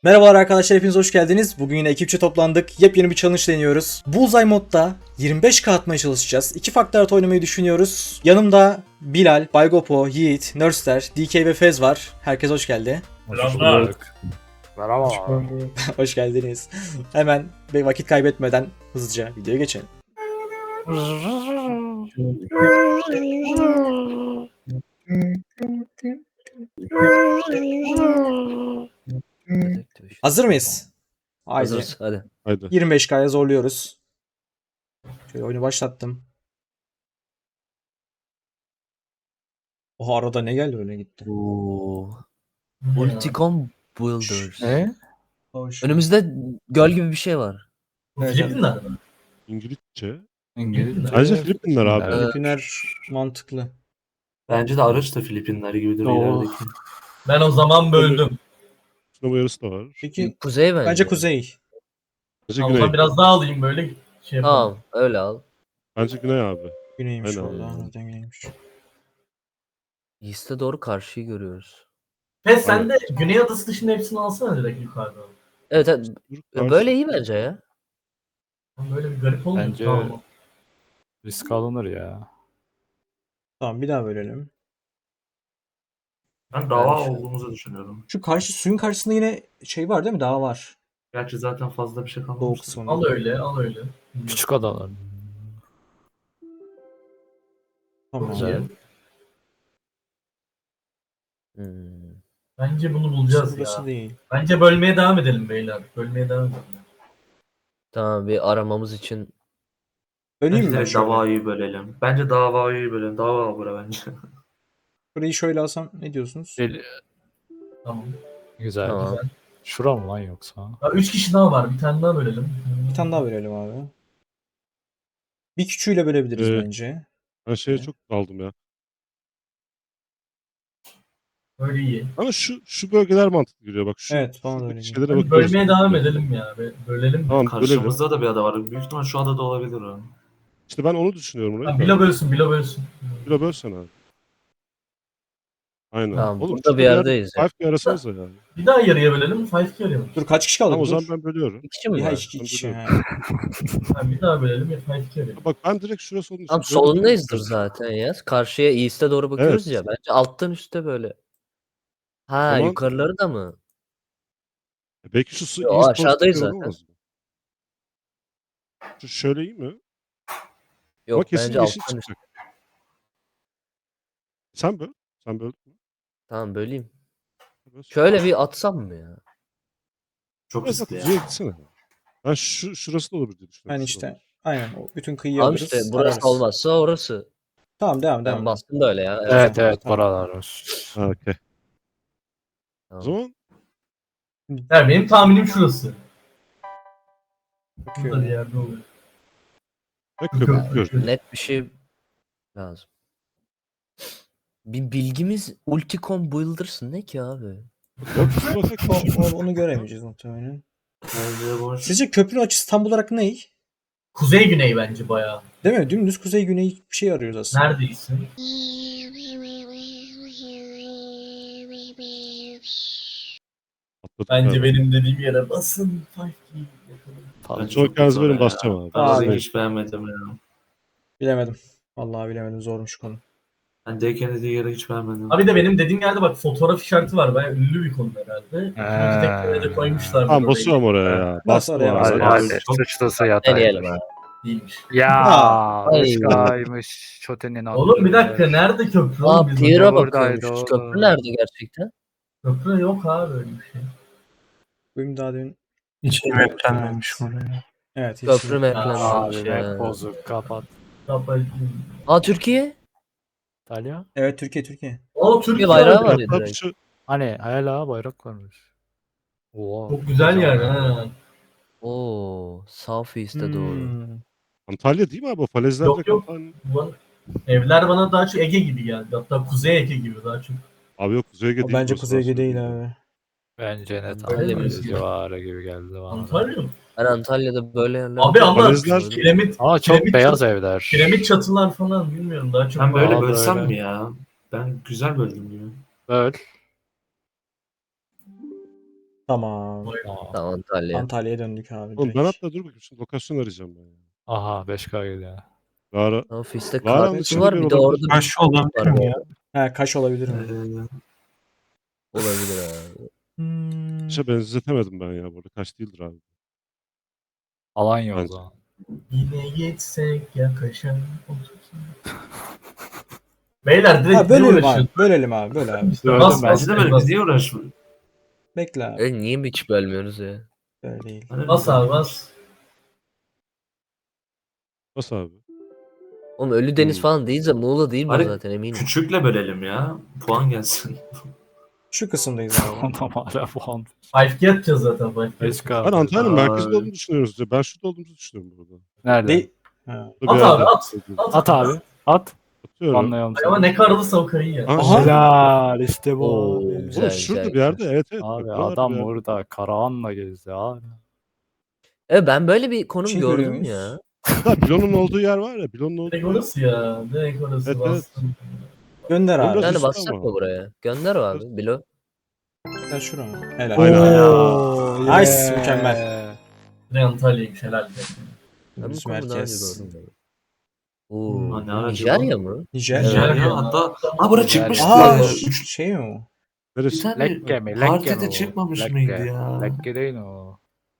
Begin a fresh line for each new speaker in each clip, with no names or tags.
Merhabalar arkadaşlar, hepiniz hoş geldiniz. Bugün yine ekipçe toplandık. Yepyeni bir challenge deniyoruz. Bullseye modda 25k atmaya çalışacağız. 2 farklı harita oynamayı düşünüyoruz. Yanımda Bilal, Baygopo, Yiğit, Nurster, DK ve Fez var. Herkes hoş geldi.
Selamlar.
Merhaba.
Hoş geldiniz. Hemen bir vakit kaybetmeden hızlıca videoya geçelim. Hazır mıyız? Haydi.
Hazırız hadi.
Haydi.
25k'ya zorluyoruz. Şöyle oyunu başlattım. Oha, arada ne geldi öyle gitti.
Oo. Multicom Builders.
Hoş.
Önümüzde göl gibi bir şey var.
Filipinler mi?
İngilizce.
İngilizce.
Bence Filipinler abi.
Evet.
Filipinler mantıklı.
Bence de araç da Filipinler gibidir ilerideki.
Ben o zaman böldüm.
Sinema yarısı da var.
Peki
Kuzey bence.
bence kuzey.
Bence
Ha, o
Güney.
zaman biraz daha alayım böyle şey yapalım.
Tamam öyle al.
Bence Güney abi.
Güneymiş
Aynen.
valla. Nereden güneymiş?
East'e doğru karşıyı görüyoruz.
Pes sen de Güney Adası dışında hepsini alsana direkt yukarıdan.
Evet, evet.
Karşı-
Böyle iyi bence ya.
Böyle bir garip olmuyor.
Bence-
Tamam.
Risk alınır ya.
Tamam, bir daha bölelim.
Ben dava
Ben şu-
olduğumuzu düşünüyorum.
Şu karşı suyun karşısında yine şey var değil mi? Dağ var.
Gerçi zaten fazla bir şey
Doğu
kalmamış.
kısmında.
Al öyle, al öyle.
Küçük adalar.
Tamam.
Güzel. Hmm.
Bence bunu bulacağız
Burası
ya.
değil.
Bence bölmeye devam edelim beyler. Bölmeye devam edelim.
Tamam, bir aramamız için.
Böleyim mi ben
Direkt
şöyle?
davayı bölelim. Bence davayı bölelim. Dava al bura bence.
Burayı şöyle alsam ne diyorsunuz?
Tamam.
Güzel.
Tamam.
Şura mı lan yoksa?
Ya 3 kişi daha var. Bir tane daha bölelim.
Bir tane daha bölelim abi. Bir küçüğüyle bölebiliriz
Evet.
bence.
Ben şeye çok daldım ya.
Öyle iyi.
Ama şu bölgeler mantıklı geliyor bak. Şu,
Evet, bana da
şuradaki
öyle geliyor.
şeylere
Hadi
bakıyoruz.
bölmeye devam edelim ya. Bölelim.
Tamam bölelim.
Karşımızda da bir ada var. Büyük ihtimal şu adada olabilir o.
İşte ben onu düşünüyorum.
Ha,
Orayı.
Bilo bölsün, Bilo bölsün.
Bilo bölsene abi. Aynen.
Tamam, burada
şurada
bir yerdeyiz ya.
5K arasınız da yani.
Bir daha yarıya bölelim, 5-2 yarıya bölelim.
Dur, kaç kişi kaldı?
Tamam o
Dur.
zaman ben bölüyorum.
İki kişi mi
Ya
var?
iki
Ben
kişi.
bölüyorum.
Ha.
Ha, bir daha bölelim, 5-2 yarıya.
Bak ben direkt şurası onun için.
Tamam,
böyle
solundayızdır
bakıyorum.
zaten ya. Karşıya East'e doğru bakıyoruz
Evet.
ya. Bence alttan üste böyle. Ha,
Zaman-
yukarıları da mı?
Belki şu su
Yo,
East
aşağıdayız
Coast'ta
zaten.
olamaz mı? Şu şöyle iyi mi?
Yok,
kesin
bence
yeşil
alttan üste.
çıkacak. Sen böl. Sen böl.
Tamam, böleyim.
Böl.
Şöyle bir atsam mı ya?
Çok
Biraz da
riskli
kuzeye
ya.
gitsene. Ben şurası da olur diye
Ben
düşünüyorum.
işte aynen o bütün kıyıyı
Tamam
alırız.
işte, burası
ararız.
olmazsa orası.
Tamam, devam
Ben
devam.
bastım da öyle ya.
Evet evet
Tamam.
buralar var.
Ha, okey. O
Tamam.
zaman
Yani benim tahminim şurası. Burada bir
Bakıyorum.
yerde oluyor.
ben köpük gördüm.
Net bir şey lazım. Bir bilgimiz Ulticom Builders ne ki abi?
Yok şu bakak.
Onu göremeyeceğiz muhtemelen.
Bence boş.
Sizce köprünün açısı tam olarak ne?
Kuzey güney bence bayağı.
Değil mi? Dümdüz kuzey güney bir şey arıyoruz aslında.
Neredeysin?
Atladık
Bence
galiba.
benim dediğim yere basın. 5-2 yapalım.
Tabii.
Çok yalnız benim basacağım abi.
Ben orayı
Abi.
hiç beğenmedim ya.
Bilemedim. Vallahi bilemedim. Zormuş konu.
Ben Deken'in dediği yeri hiç beğenmedim.
Abi de benim dediğim yerde bak fotoğraf işareti var. Bayağı ünlü bir konu herhalde. İkinci tekneye de koymuşlar.
Tamam
orayı.
basıyorum oraya ya.
Bas
Bastım
oraya,
abi.
bas.
Hadi.
Hadi.
Hadi
Çok-
sıçrası yatay.
Deneyelim abi.
Değilmiş.
Ya
Ay.
başkaymış. Çotenin adı.
Oğlum bir dakika nerede köprü?
Aa,
oğlum biz
Pier'a
buradaydı
bakıyormuş.
oğlum.
Köprü nerede gerçekten?
Köprü yok abi öyle bir şey.
Bugün daha demin.
Hiç maplenmemiş oraya.
Evet. hiç
Köprü
yok.
maplenmemiş
Abi
ya.
map bozuk kapat.
Kapalı.
Aa, Türkiye?
İtalya.
Evet, Türkiye.
O
Türkiye
Türkiye
bayrağı
abi.
var ya
Hatta
direkt.
şu
Hani hala bayrak varmış. Oha.
Çok güzel yer ha.
Oo, South East'e doğru.
Hmm.
Antalya değil mi abi? O falezlerde
Yok, yok.
kapan-
Evler bana daha çok Ege gibi geldi. Hatta Kuzey Ege gibi daha çok.
Abi yok Kuzey Ege
O
değil.
bence
burası,
Kuzey Ege
ben
değil
söyleyeyim.
abi.
Bence net
Öyle
Antalya
mi?
civarı gibi geldi bana.
Antalya mı?
Ben Antalya'da böyle yerler...
Abi ama
Falezler-
piramit,
Ama çok
Piramit-
beyaz evler.
piramit çatılar falan bilmiyorum daha çok.
Ben böyle
Aa,
bölsem
böyle.
mi ya? Ben güzel böldüm gibi.
Böl.
Tamam.
Aa.
Tamam Antalya.
Antalya'ya döndük abi.
Oğlum ben
direkt.
hatta dur bakayım şimdi lokasyon arayacağım ben ya.
Aha 5K geliyor.
Lara
Ofiste
Lara'nın
kahvesi
içinde
var.
bir
Bir de
olabilir.
orada bir
Kaş olabilir mi ya?
He kaş olabilir mi?
olabilir abi.
Hmm.
işe benzetemedim ben ya burada. Kaç değildir abi.
Alanya o
Bence.
zaman.
Yine gitsek yakışan otursun. Beyler direkt
Ha,
ne
bölelim abi.
uğraşıyorsun?
Bölelim abi. Böyle abi.
İşte
Gördüm
bas
ben.
bas
Bence de böyle biz niye uğraşmıyoruz?
Bekle abi.
Niye hiç bölmüyoruz ya?
Böyle değil.
Hani
Bas abi bas.
Nasıl abi?
Oğlum Ölüdeniz
Hmm.
falan değilse Muğla değil mi
Hani
zaten eminim.
küçükle bölelim ya. Puan gelsin.
Şu kısımdayız abi.
Adam hala puan.
5K atacağız zaten 5K.
5K.
Ben Antalya'nın
Ay.
merkezinde olduğunu düşünüyoruz ya. Ben şurada olduğumuzu düşünüyorum burada.
Nerede?
Değil. Ha.
Burada bir
At abi
yerde.
at.
At abi. At.
Atıyorum.
Anlayalım
Ay ama
seni.
ne karlısa o karıyı ya.
Aha.
Helal işte bu
Oo,
abi.
güzel.
Oğlum şurada bir yerde. Evet evet.
Abi
Bak, buralarda
adam
bir yerde.
burada Karahan'la gezdi abi.
Evet ben böyle bir konum
Şey görüyor
gördüm
muyuz?
ya.
Ha, Bilon'un olduğu yer var ya. Bilon'un olduğu
Direkt
yer.
orası ya. Direkt orası
Evet, evet.
bastım.
Gönder
Oğlum
abi.
biraz
Yani
üstü
bassak
ama.
mı buraya? Gönder abi Bilo.
Gel şuraya. Helal.
Aynen.
Oo,
Nice, mükemmel.
Ne Antalya'ymış helal.
Ben bu
Düz
konumu daha önce
merkez.
gördüm. Ben. Oo,
Ha, ne ara
Nijerya
acaba?
mı?
Nijer.
Evet.
Nijer.
Ya hatta ha bura
Güzel.
çıkmıştı.
Aa
Üç-
şey mi o?
Bir
Neresi?
tane
Lekke mi? Lekke mi
partide
o?
çıkmamış
Lekke.
mıydı ya?
Lekke değil o.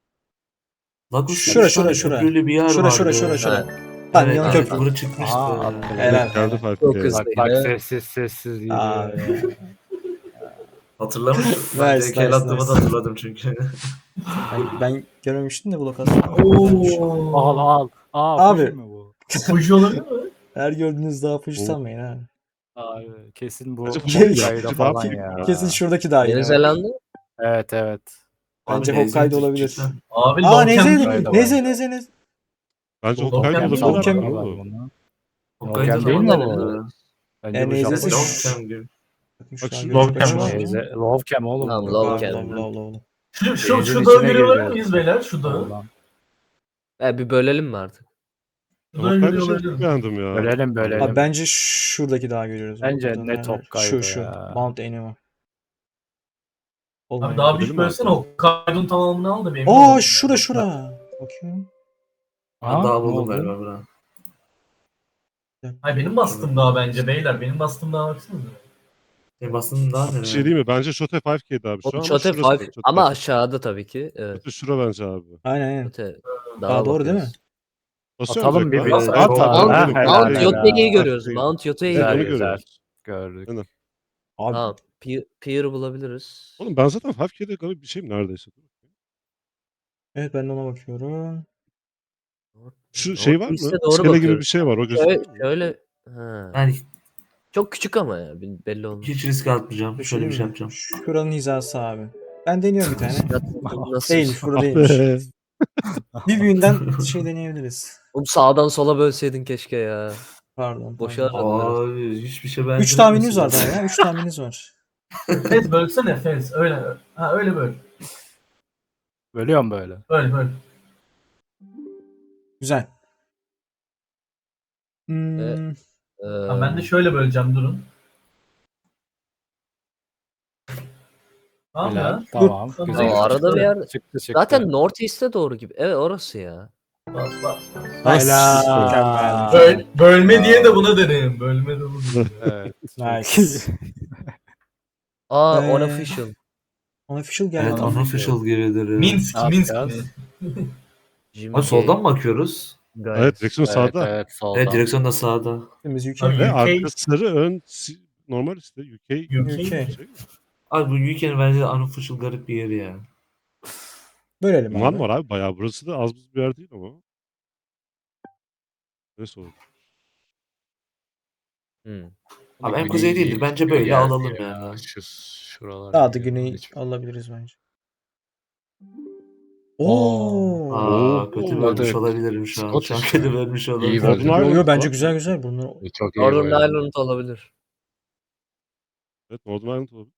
Lagos'ta
Şura,
üç tane
şura.
köprülü bir yer
Şura
vardı.
şura şura şura.
Ha,
Lan
Evet,
yan
evet,
köprü.
bura çıkmıştı.
Aha, attı.
Helal.
Geldi
helal.
Çok
5K.
hızlı.
Bak bak
Yine-
sessiz
Abi.
gidiyor.
Hatırlamış.
Nice,
Ben
nice,
DK'l attığımı da
nice.
hatırladım çünkü.
Ben görmemiştim de bu lokasyonu.
Ooo.
Al. Aa
Abi.
Fuji mi bu?
Fuji olabilir mi?
Her gördüğünüz daha push
Oo.
sanmayın ha.
Abi kesin bu
Bence
Fuji
Hokkaido
daha
falan
büyük
ya.
ya.
Kesin şuradaki daha
Yeni
yine.
Zelanda.
Evet evet.
Bence
Abi,
Hokkaido
Nezih
olabilir.
cidden.
Abi
Aa
Longcamp
Neze,
değil mi?
Hokkaido
Neze, Neze, Neze.
Bence
Hokkaido
Hokkaido
olabilir
olabilir
mi?
abi.
var
Oo.
bunu.
Hokkaido
değil mi
zaman
ama?
nerede?
Bence bu
Nezesi
Japon.
şu-
Longcamp gibi.
Bakın
Bak
şu an
şu
gözük
Longcamp
açık
var.
mı?
Lovecam oğlum.
Tamam,
bu.
Yok abi
Longcamp.
lol.
Şu
Denizin
dağı
içine
görüyorlar
gireceğiz.
mıyız beyler? Şu dağı.
Oradan.
Bir bölelim mi artık?
Şu dağı
Hokkaido
görüyor
şeyi
olabilir
çok
miyim?
beğendim ya.
Bölelim, bölelim.
Abi bence şuradaki daha görüyoruz.
Bence
Adı
net
nerede?
Hokkaido
Şu.
ya.
Mount Enema.
Abi
Olmuyor.
daha
Gidelim
büyük
mi
bölsene
abi?
Hokkaido'nun tamamını al da benim.
Aa şura. Bakıyorum.
Aha,
Daha
ne
buldum
oldu?
galiba bura.
Hayır benim bastığım daha bence beyler. Benim bastığım daha baksanıza.
Bastın daha
Bir
nereye?
şey değil mi? Bence Shote 5K'di abi. Şu
O
an ama
Chote
şurası.
5
Shote
ama
5K.
aşağıda tabii ki. Evet.
Shote şura bence abi.
Aynen.
Chote
Daha doğru değil mi?
bakıyoruz.
Basıyorum
Atalım
direkt
bir
abi.
bir.
Evet,
At
Mount-
abi. Ha,
Mount,
helal,
Mount
helal.
Yote'yi görüyoruz.
Helal.
Mount Yote'yi
Evet, onu
görüyoruz.
görüyoruz.
Gördük.
Abi
Tamam. Pier bulabiliriz.
Oğlum ben zaten 5K'de garip bir şeyim neredeyse.
evet ben de ona bakıyorum.
Şu şey var mı?
Northeast'e doğru
İskele gibi
bakıyoruz.
bir şey var. O
Şöyle,
gözüküyor mu?
şöyle ha.
Yani
Çok küçük ama ya belli olmaz.
hiç risk atmayacağım. Şöyle bir şey
mi?
yapacağım.
Şuranın hizası abi. Ben deniyorum bir tane.
Nasıl?
Değilmiş burada değilmiş. Bir büyüğünden şey deneyebiliriz.
Oğlum sağdan sola bölseydin keşke ya.
Pardon.
Boşa
pardon.
aradılar.
Abi hiçbir şey
3 tahmininiz var daha ya. 3 tahmininiz var.
Fez bölsene Fez. Öyle. Ha öyle böl.
Bölüyorum böyle.
Böl.
Güzel. Hmm,
Ha, ben de şöyle böleceğim durun. Tamam
Helal.
ya.
Tamam.
Dur.
Güzel.
Tamam,
arada bir yer.
Çıktı.
Zaten Northeast'e doğru gibi. Evet orası ya.
Bas.
nice.
Helal.
Mükemmel.
Bölme diye de buna deneyim. Bölme de bunu.
Evet.
Nice.
Unofficial.
Unofficial geldi.
Evet, unofficial gibidir. ya.
Minsk
Ne
mi?
yapacağız?
Jimmy
Abi soldan mı bakıyoruz?
Guys.
Evet direksiyon
Evet,
sağda.
evet soldan.
Evet, direksiyon da sağda.
Temiz UK.
Abi,
Ve
UK.
arka sarı ön normal işte UK.
UK.
Şey.
Abi bu UK'nin bence de unofficial garip bir yeri ya.
Bölelim
Yunan
abi.
var abi bayağı. Burası da az buz bir yer değil ama. Neyse oldu.
Hmm.
Abi en kuzey değildir. Bence böyle alalım ya.
Şuralar.
Daha da güney alabiliriz bence. Oo.
Aa, kötü
Oo.
bölmüş
Evet.
olabilirim şu an. Şu an
Scottish
kötü
ya.
bölmüş
İyi
olabilirim.
böldün.
Northern
Yo
Ireland
bence
var.
güzel. Bunlar
Çok iyi
Northern
oynadı.
Ireland olabilir.
Evet Northern Ireland olabilir.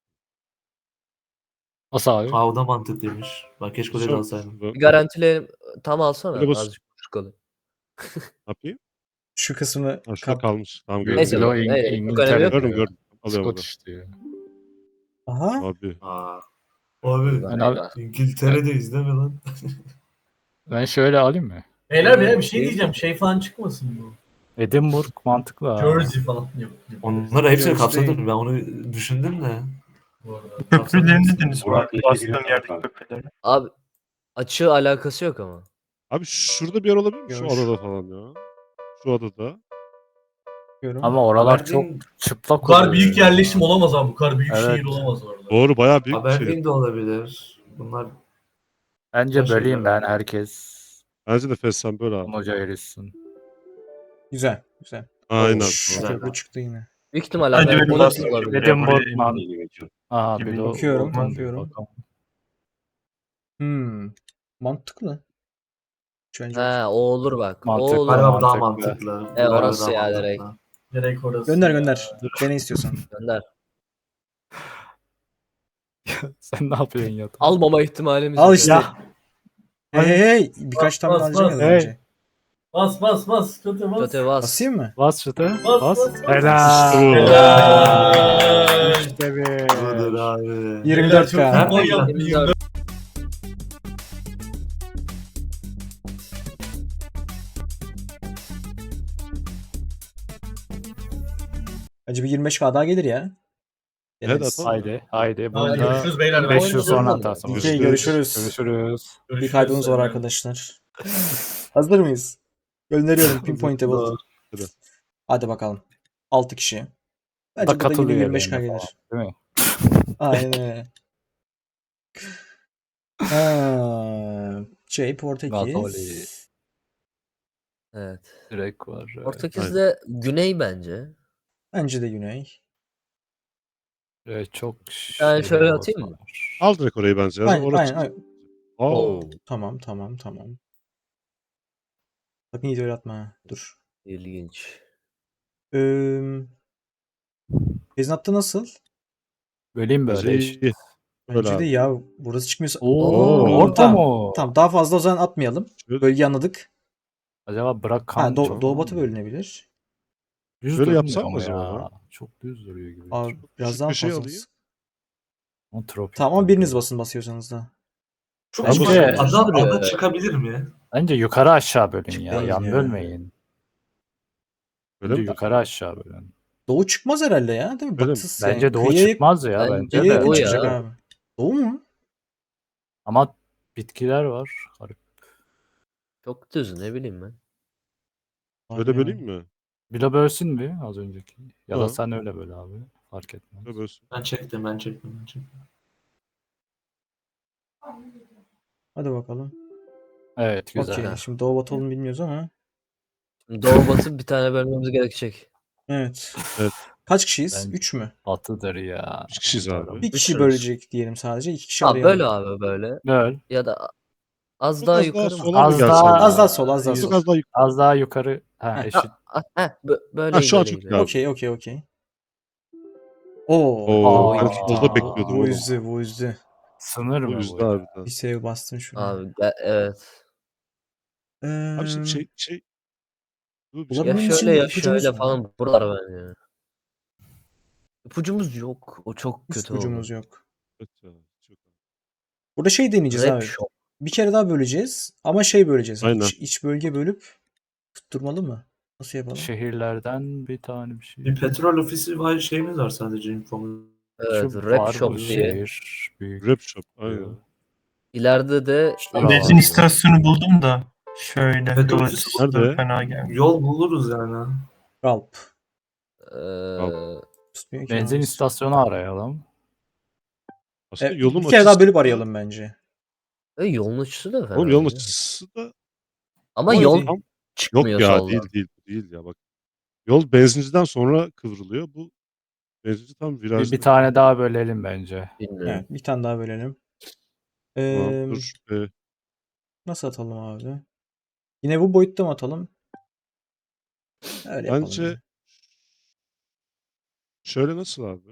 Nasıl abi?
Aa, o da mantıklıymış. Bak keşke öyle de alsaydım.
Bir garantileyelim. Tam alsana.
Öyle bas.
Azıcık çıkalım.
Ne yapayım?
şu kısmı
Ha şurada
kap.
kalmış. Tamam gördüm.
Neyse,
gördüm.
çok önemi yok.
Gördüm. Alıyorum.
Scottish diyor.
Aha.
Abi.
Aa. Abi
Ben, al-
İngiltere'deyiz değil mi lan?
ben şöyle alayım mı?
Beyler ya bir şey diyeceğim. Şey falan çıkmasın bu.
Edinburgh mantıklı ha.
Jersey falan yok.
Onları hepsini
Jersey.
kapsadım. Ben onu düşündüm de.
Bu arada.
Köprülerini deniz
Burak
var.
Ligi
Bastığım
biliyor
yerdeki
musun?
köprüleri.
Abi açığı alakası yok ama.
Abi şurada bir yer olabilir mi? Şu
Görüş.
adada falan ya. Şu adada.
Diyorum.
Ama oralar
Aberdeen-
çok çıplak
Bu kadar
oluyor
büyük
ya.
yerleşim olamaz abi. Bu kadar büyük
Evet.
şehir olamaz orada.
Doğru bayağı büyük bir şey.
Aberdeen de olabilir. Bunlar
Bence
Başka
böleyim
şeyler
ben
var.
herkes
Bence de Fessen böyle abi.
hoca erişsin.
Güzel. Güzel.
Aynen.
Şşş,
Güzel.
köprü çıktı yine.
Büyük ihtimalle
Hadi
Amerika
benim
da
bastığım
olabilir.
köprüleri
Edinburgh
buraya
man.
Ligi geçiyor.
Aa bir
Gibi
de o-
bakıyorum,
olmaz.
bakıyorum.
Bakalım.
Mantıklı. Bence
He o olur bak.
Mantıklı.
O olur.
galiba daha
mantıklı.
mantıklı.
E,
Galiba
orası
daha
ya
mantıklı.
direkt.
Direkt orası.
gönder
ya.
gönder. Dene istiyorsan.
Gönder.
Sen ne yapıyorsun ya?
Almama ihtimalimiz
Al
yok.
işte.
Ya.
Hey hey hey. Birkaç
Bas,
tane
bas,
harcamayalım
bas.
önce.
Bas bas bas. Kötü bas.
Kötü vas.
Basayım mı?
Bas şutu.
Bas,
Bas.
bas, bas.
Helal.
Helal.
İşte bir.
Budur abi.
24K.
Beyler, çok
Nerede
iyi yaptı,
24.
Bence bir 25K daha gelir ya.
Evet,
Deneriz.
atalım.
Haydi. Haydi.
Hadi
Bunu da
görüşürüz beyler.
5 yıl
Oynadı
sonra
mı?
atarsın.
Okey, görüşürüz.
Görüşürüz.
Bir kaybımız var arkadaşlar. Hazır mıyız? Gönderiyorum pinpointable.
Hadi.
Hadi bakalım. 6 kişi.
Da
Bence burada yine
katılıyor
25K
yani
gelir.
falan, değil mi?
Aynen öyle. Portekiz.
Napoli.
Evet.
Direkt var.
Portekiz'de güney bence.
Bence de Güney.
Çok
Ben
şey
şöyle
olsa
atayım mı?
var.
Al direkt orayı bence. Ya.
Aynen,
Orası
aynen, aynen.
Aa,
Oo.
Tamam. Sakın iyi atma. Ha. Dur.
İlginç.
Beznatta nasıl?
Böleyim
bence
böyle
iyi.
eşit.
Bence
Öyle
de
abi.
ya burası çıkmıyorsa.
Oo, orta
tamam.
mı?
Tamam, daha fazla o zaman atmayalım.
Şöyle,
Bölgeyi anladık.
Acaba bırak
Ha,
kan
Doğu Batı bölünebilir.
Düz
Şöyle
durmuyor
yapsam mı
ama
acaba
ya.
ya?
Çok düz duruyor gibi.
Abi biraz
küçük
daha
bir şey
fazla.
alayım.
Ama tropik
Tamam ama
bölge.
biriniz basın basıyorsanız da.
Çok
Bence-
ufak.
Duruyor
Ada
yani.
çıkabilir mi?
Bence yukarı aşağı bölün ya.
Çıkmayın
Yan
ya.
bölmeyin.
Öyle
Bence
mi?
yukarı aşağı bölün.
Doğu çıkmaz herhalde ya, değil mi?
Öyle mi?
Batı
Bence
yani
doğu
kıyıya-
çıkmaz ya.
Bence
Bence
kıyıya
de.
yakın
Doğu ya.
çıkacak abi. Doğu mu?
Ama bitkiler var. Garip.
Çok düz ne bileyim ben.
Öyle
Abi
böleyim
ya.
mi?
Bilo bölsün mü az önceki? Ya da
Ha.
sen öyle böl abi. Fark etmez.
Öyle bölsün.
Ben çektim.
Hadi bakalım.
Evet güzel.
Okey. Şimdi Doğu Batı olduğunu bilmiyoruz ama.
Doğu batı bir tane bölmemiz gerekecek.
Evet.
Evet.
Kaç kişiyiz?
Ben-
3 mü?
Batıdır ya.
3 kişiyiz abi.
Bir kişi
Üçüz.
bölecek diyelim sadece. 2 kişi
Ha
arayalım.
böyle abi böyle.
Böl.
Ya da az
Çok
daha
az daha
yukarı mı?
sola mı
Az
gelsen?
daha-
Az daha sol, az daha
Çok
sol.
az daha yukarı.
Az daha yukarı. Ha
Heh.
eşit.
Böyle
Ha, şu an
böyle
çok
gibi.
güzel.
Okey. Oo.
Oo,
Aa.
ben solda bekliyordum
Bu
oğlum.
üzdü.
Sınır
Bu
mı
yüzde
bu?
harbiden.
Bir save bastın şuraya.
Abi evet.
Abi şimdi
Eee,
Dur, bir
Olabilir.
Ya
Benim için
şöyle ya
ipucumuz
şöyle
var.
falan buralar bence. İpucumuz yok. O çok
hiç
kötü
ipucumuz
oldu.
yok.
Evet ya, çok-
Burada şey deneyeceğiz
Rap
abi.
shop.
Bir kere daha böleceğiz. Ama şey böleceğiz. Hani
Aynen.
iç bölge bölüp tutturmalı mı? Nasıl yapalım?
Şehirlerden bir tane bir şey.
Bir petrol ofisi var şeyimiz var sadece infomuz.
Evet
Şu
rap
var
shop
bu
diye.
şehir. Büyük.
Rap shop. Aynen.
İleride de
Şurada
Benzin
var.
istasyonu buldum da şöyle
Evet,
dolayısıyla
nerede?
fena gelmiyor.
Yol buluruz yani.
Galp.
eee,
Tutmuyor ki
Benzin
abi.
istasyonu arayalım.
Aslında
Evet,
yolun
bir kere daha
açısı
bölüp
da-
arayalım bence.
yolun açısı da fena
Oğlum yolun
değil.
açısı da
Ama
Ama
yol
tam-
çıkmıyor
yok ya,
soldan.
değil ya bak. Yol benzinciden sonra kıvrılıyor. Bu benzinci tam
Bir
virajda.
tane daha bölelim bence.
Bilmiyorum.
Evet, bir tane daha bölelim.
Tamam,
Eee,
dur.
Nasıl atalım abi? Yine bu boyutta mı atalım? Öyle yapalım.
Bence
ya.
şöyle nasıl abi?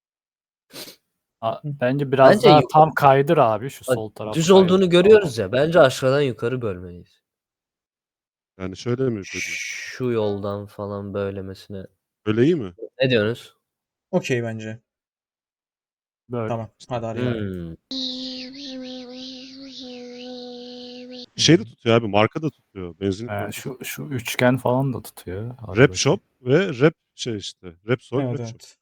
Bence biraz
Bence
daha
yukarı-
tam kaydır abi şu
Bak,
sol taraf.
düz
kaydır.
olduğunu görüyoruz ya. Bence aşağıdan yukarı bölmeliyiz.
Yani şöyle mi böyle?
Şu yoldan falan böylemesine.
Böyle iyi mi?
Ne diyorsunuz?
Okey bence.
Böyle.
Tamam. Hadi arayalım.
Hmm.
Şey de tutuyor abi. Marka da tutuyor. Benzinlik marka.
Şu üçgen falan da tutuyor. Hadi
Rap
bakayım.
Shop ve Rap şey işte. Rap Sol,
Evet
Rap Shop.
evet.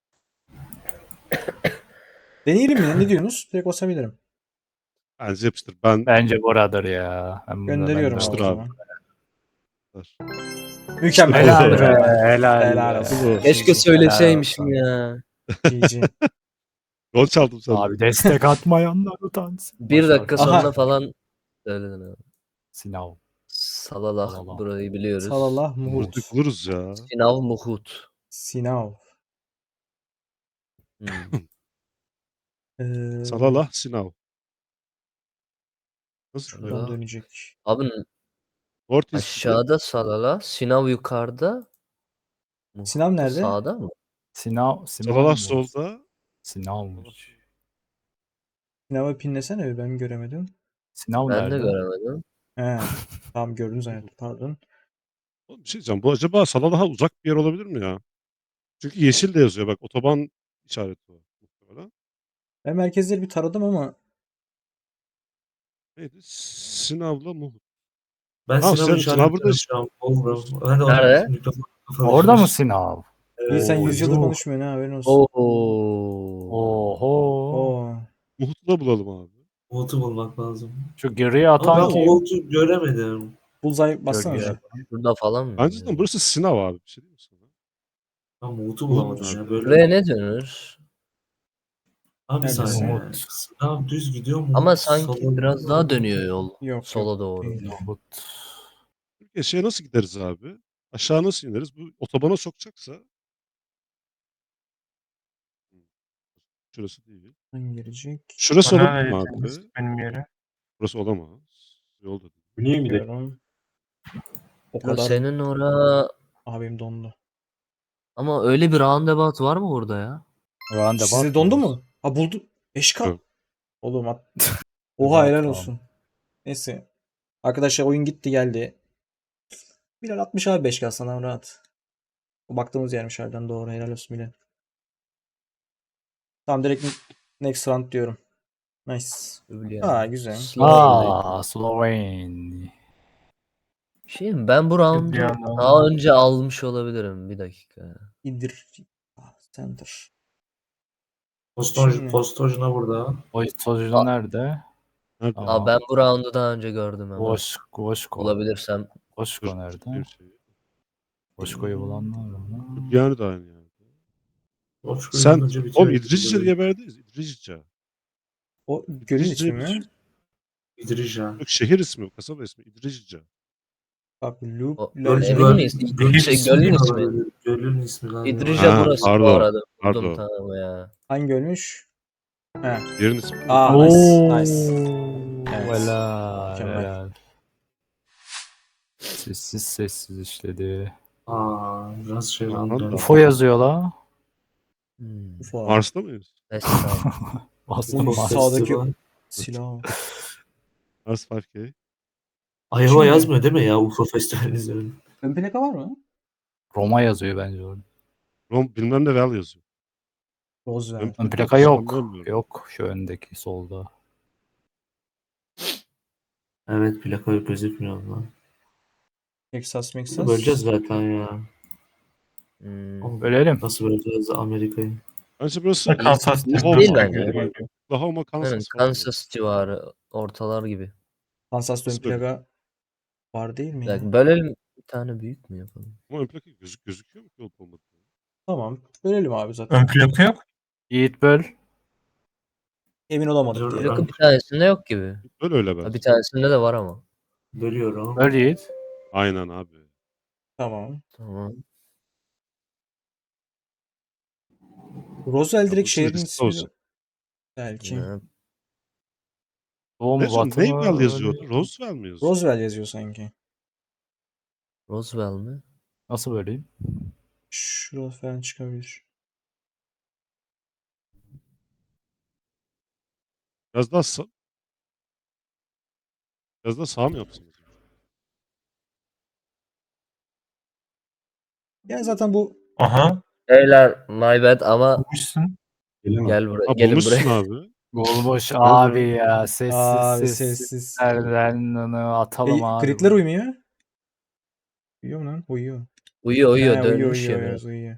Deneyelim mi? Ne diyorsunuz? Direkt basabilirim.
Bence yapıştır. Ben
Bence buradır ya.
Gönderiyorum
ben de
abi o
Yapıştır abi.
zaman. Mükemmel.
Helal
İşte
be.
Mükemmel.
Helal,
Helal
be.
olsun.
Keşke
GG.
söyleseymişim
olsun.
ya.
GG.
gol çaldım senden.
Abi destek atmayanlar utansın.
Bir dakika
Aha.
sonra falan söyledin abi.
Sinav.
Salalah
Salalah.
burayı biliyoruz.
Salallah Muhut.
Vurduk buluruz ya.
Sinav Muhut.
Sinav.
Hmm.
Salalah Sinav. Nasıl?
Şuradan
Salalah.
dönecek.
Abi
Ortiz
aşağıda Salalah. Sinav yukarıda. Muhut
Sinav
da
nerede?
sağda mı?
Sinav.
Salalah solda.
Sinavmış.
Sinav'ı pinlesene bir, ben göremedim.
Sinav
Ben de
nerede?
göremedim.
He. Tamam gördünüz zannettim. Pardon.
Oğlum bir şey diyeceğim. Bu acaba Salalah'a uzak bir yer olabilir mi ya? Çünkü yeşil de yazıyor. Bak otoban işareti var. Muhtemelen.
Ben merkezleri bir taradım ama
Neydi? Sinav'la Muhut.
Ben
Tamam,
Sinan'ı
Sinan burada
işaretledim şu an. Oldu. Ben de
Nerede?
mikrofon
Orada mı Sinav?
iyi, sen
Evet.
100 yıldır
yuh.
konuşmuyorsun ha, haberin olsun.
Oho.
Oo.
Muhut'u da bulalım abi.
Umut'u bulmak lazım.
Şu geriye
Ama
atan
ben
kim?
Umut'u göremedim.
Bullseye bassana.
Gölge.
Burada falan mı?
Bence de burası Sinav abi. Bir şey diyeyim mi sana?
Ben Umut'u
Umut
bulamadım
abi.
ya. Böyle.
Buraya ne denir?
Abi bir
Neredesin?
saniye.
Umut.
Sinan düz gidiyor mu?
Ama sanki
Sola
biraz
gidiyor
daha
mu?
dönüyor yol.
Yok,
Sola
yok,
doğru.
değil.
Nohut.
Türkiye şeye nasıl gideriz abi? Aşağı nasıl ineriz? Bu otobana sokacaksa. Şurası değil.
Hangi girecek?
Şurası
Bana
olabilir mi
verirseniz
abi?
benim yere.
Burası olamaz. Yol da değil.
Niye mi de?
Diyorum. O
Ya
kadar
senin ora
abim dondu.
ama öyle bir roundabout var mı burada ya?
Roundabout
Size dondu
muyuz?
mu? Ha buldu. 5K.
Evet.
Oğlum at. Oha, helal
Tamam.
olsun. Neyse. Arkadaşlar oyun gitti geldi. Bilal 60 abi 5K sana rahat. O baktığımız yermiş harbiden, doğru, helal olsun Bilal. Tamam, direkt next round diyorum. Nice.
Öyle
Aa,
yani.
güzel.
Sloven.
Şey mi? Ben bu roundu
Bir anda-
daha önce almış olabilirim. Bir dakika.
İndir. Center.
Postoj, Postojna burada.
O sonucu nerede?
Nerede?
Tamam.
Ben bu roundu daha önce gördüm ama.
Voşko.
Bulabilirsem.
Voşko nerede?
Bir şey.
Voşko'yu bulanlar mı?
Yani de aynı yani.
Boşko'yu
Sen
önce bitiyor.
oğlum İdrisce diye bir yerdeyiz. İdrisce.
O gölün ismi mi?
İdrija.
Yok, şehir ismi, kasaba ismi. İdrisce.
Bak loop.
O-
Lol-
Emin miyiz?
Gölün
Şey,
ismi
gölün
mi
ismi.
olabilir? Gölün ismi lan.
İdrija
Ha,
burası bu
pardon,
arada. Buldum,
pardon.
tamam ya.
Hangi ölmüş? He.
Yerin ismi.
Aa, nice. Evet.
Helal.
Mükemmel.
Helal. Sessiz sessiz işledi.
Biraz şey
Aman
lan.
da.
UFO yazıyor la.
UFO.
Mars'ta mıyız?
Neyse, tamam.
Bastım
Uf,
Mars.
sağdaki silah.
Mars 5K.
Iowa
Şimdi-
yazmıyor değil mi ya UFO Festivali'nin üzerine?
Ön plaka var mı?
Roma yazıyor bence orada.
Bilmem ne Vel yazıyor.
Roosevelt.
Ön plaka yok.
Sanmıyorum.
Yok şu öndeki solda.
Evet plaka gözükmüyor lan.
Texas,
Nasıl
Texas.
böleceğiz zaten ya.
Hmm.
Bölelim.
Nasıl böleceğiz Amerika'yı?
Bence burası
Kansas
Oklahoma
Değil
gibi.
bence.
Oklahoma, Kansas
Aynen,
falan.
Kansas civarı. Ortalar gibi.
Kansas'ta ön
Nasıl böyle?
plaka var değil mi?
Bir
ya?
dakika, bölelim. Bir tane büyük mü yapalım?
Ama ön plaka gözüküyor mu ki olup olmadı?
Tamam. Bölelim abi zaten.
Ön plaka yok.
Yiğit böl.
Emin olamadık
Dur,
diye.
Plaka bir tanesinde yok gibi.
Böyle öyle
Ha,
ben.
bir tanesinde de var ama.
Bölüyorum.
Böl Yiğit.
Aynen abi.
Tamam.
Tamam.
Roosevelt direkt
bu
şehrin
riskli
ismi.
olsun.
Belki.
Ne?
Doğu mu
Ne son
batı mı?
Naval yazıyordu? Roosevelt mi yazıyor?
Roosevelt yazıyor sanki.
Roswell mi?
Nasıl böleyim?
Şurada falan çıkabilir.
Biraz daha biraz daha sağ mı yapsın?
Yani zaten bu
Aha.
Beyler my bad ama
Bulmuşsun.
Gel buraya.
Ha
Gelin
bulmuşsun
buraya.
abi.
Bulmuş abi ya. Sessiz
Abi
sessiz.
sessiz.
Nereden onu atalım abi.
Gridler uymuyor. Uyuyor mu lan? Uyuyor.
Uyuyor uyuyor.
He,
Dönmüş
uyuyor,
ya
evet, uyuyor.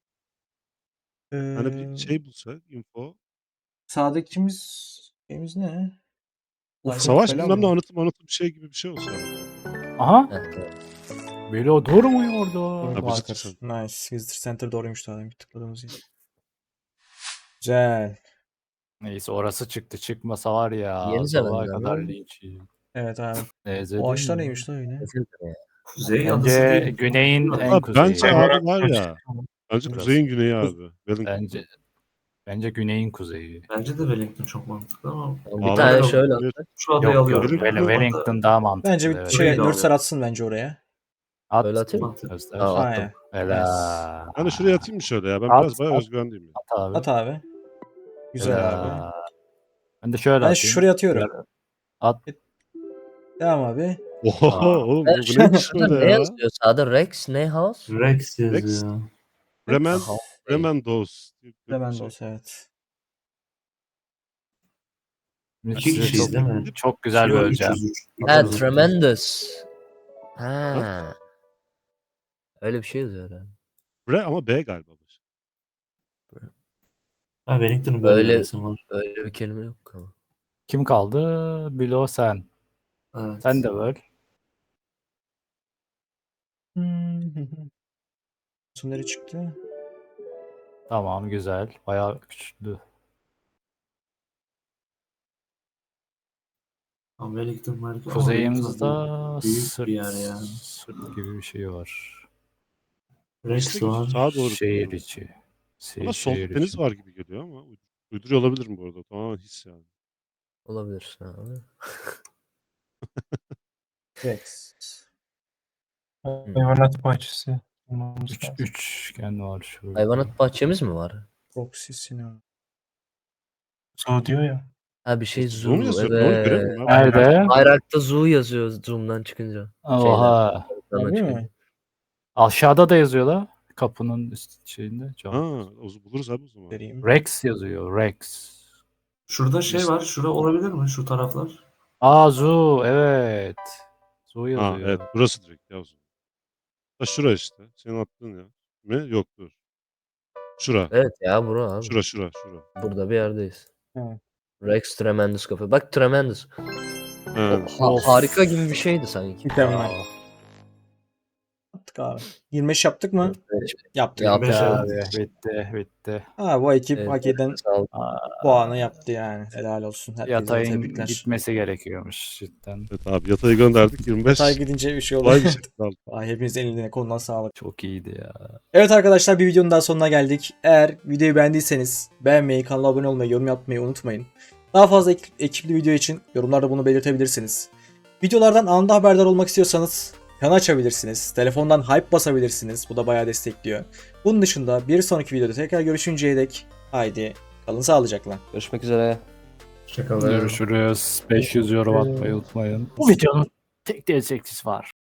Hani bir şey bulsak info.
Sağdakimiz ne? Ufuk
Savaş
falan
bilmem ne
mı?
anlatım bir şey gibi bir şey olsa.
Aha.
Evet, evet.
Bilo durmuyor orada.
Ha,
Marker.
Visitor
Nice. Visitor Center doğruymuş daha demin tıkladığımız yer. Güzel.
Neyse orası çıktı. Çıkmasa var ya.
Yeni
Sabaha
Zelanda
kadar
mı?
linç yiyeyim.
Evet abi.
Neyse
O
değil
ağaçlar
mi?
neymiş lan öyle?
Kuzey adası
Bence
değil.
güneyin en
Ha,
kuzeyi.
bence abi var ya. Bence
Burası.
kuzeyin güneyi abi. Wellington.
Bence güneyin kuzeyi.
Bence de Wellington çok mantıklı ama
Bir
Abi,
tane
yok.
şöyle
Evet.
şu adayı
Yok yok.
alıyorum.
Wellington daha mantıklı.
Bence bir
evet.
şey
Öyle de
Nurser
alıyorum.
atsın bence oraya.
At.
Öyle atayım mı?
Mantıklı.
Göster.
Aa, attım.
Aynen.
Helal.
Ben de şuraya atayım mı şöyle ya? Ben
At,
biraz bayağı
at.
özgüvenliyim ya.
At abi.
At abi. Güzel abi.
Helal. Ben de şöyle
Ben
atayım.
şuraya atıyorum.
Şöyle At.
Devam abi.
Oho
Aa.
oğlum bu neymiş
Sağda
böyle
ne
ya?
yazıyor? Sağda Rex ne house?
Rex yazıyor.
Bremen,
Aha,
Bremendos. diye bir
Remendos
şey.
evet.
Size
İki kişiyiz
çok,
değil mi?
çok güzel
Şey var,
böleceğim.
303.
Ha,
Atarız.
tremendous. Ha. Öyle bir şey yazıyor herhalde.
Ama B galiba. bu.
Ha, Wellington'un böyle
Öyle-
bir resim var.
Öyle bir kelime yok ama.
Kim kaldı? Bilo sen.
Evet.
Sen de böl.
Resimleri çıktı.
Tamam güzel. Bayağı güçlü.
Ama Wellington var. Ama
Kuzeyimizde
Wellington büyük
sırt,
bir yer ya.
sırt gibi bir şey var.
Rex
İşte
var.
sağa doğru.
Şehir içi.
Ama solda
Şehir
deniz
içi.
var gibi geliyor ama uyduruyor olabilirim bu arada. Tamamen his yani.
Olabilir. Abi.
Rex.
Hayvanat bahçesi. Bulmamız lazım.
Üçgen var şurada.
Hayvanat bahçemiz mi var?
Proxy Sinema.
Zoo diyor ya.
Ha bir şey
Zoom
zoo.
yazıyor. Doğru
Evet.
göremiyorum abi.
Nerede?
Bayrakta zoo yazıyor zoom'dan çıkınca.
Oha.
Ekrandan
Harbi
çıkınca.
mi?
Aşağıda da yazıyor la. Kapının üst şeyinde. Cam.
Ha, buluruz abi o zaman.
Vereyim.
Rex yazıyor. Rex.
Şurada şey var. Şura olabilir mi? Şu taraflar.
Aa Zoo. Evet. Zoo
Ha
yazıyor.
evet burası direkt ya o zaman. Ha şura işte. Senin attığın ya. Mi? Yok dur. Şura.
Evet ya bura abi.
Şura.
Burada bir yerdeyiz.
Evet.
Rex Tremendous Cafe. Bak Tremendous.
Ha.
Harika gibi bir şeydi sanki.
Mükemmel. Yaptık abi. 25 yaptık mı? Yaptık.
Yaptık
Beş
Abi,
evet.
bitti.
Ha, bu ekip
Evet,
hak eden
sağ ol.
puanı yaptı yani. Helal olsun. Herkese
Yatayın
tebrikler.
gitmesi gerekiyormuş cidden.
Evet abi yatayı gönderdik 25.
Yatay gidince bir şey oldu.
Kolay bir şey kaldı.
Ay, hepinizin eline kolundan sağlık.
Çok iyiydi ya.
Evet arkadaşlar, bir videonun daha sonuna geldik. Eğer videoyu beğendiyseniz beğenmeyi, kanala abone olmayı, yorum yapmayı unutmayın. Daha fazla ekipli video için yorumlarda bunu belirtebilirsiniz. Videolardan anında haberdar olmak istiyorsanız kanal açabilirsiniz. Telefondan hype basabilirsiniz. Bu da bayağı destekliyor. Bunun dışında bir sonraki videoda tekrar görüşünceye dek haydi kalın sağlıcakla.
Görüşmek üzere.
Hoşçakalın.
Görüşürüz. 500 yorum atmayı unutmayın. Bu videonun tek destekçisi var.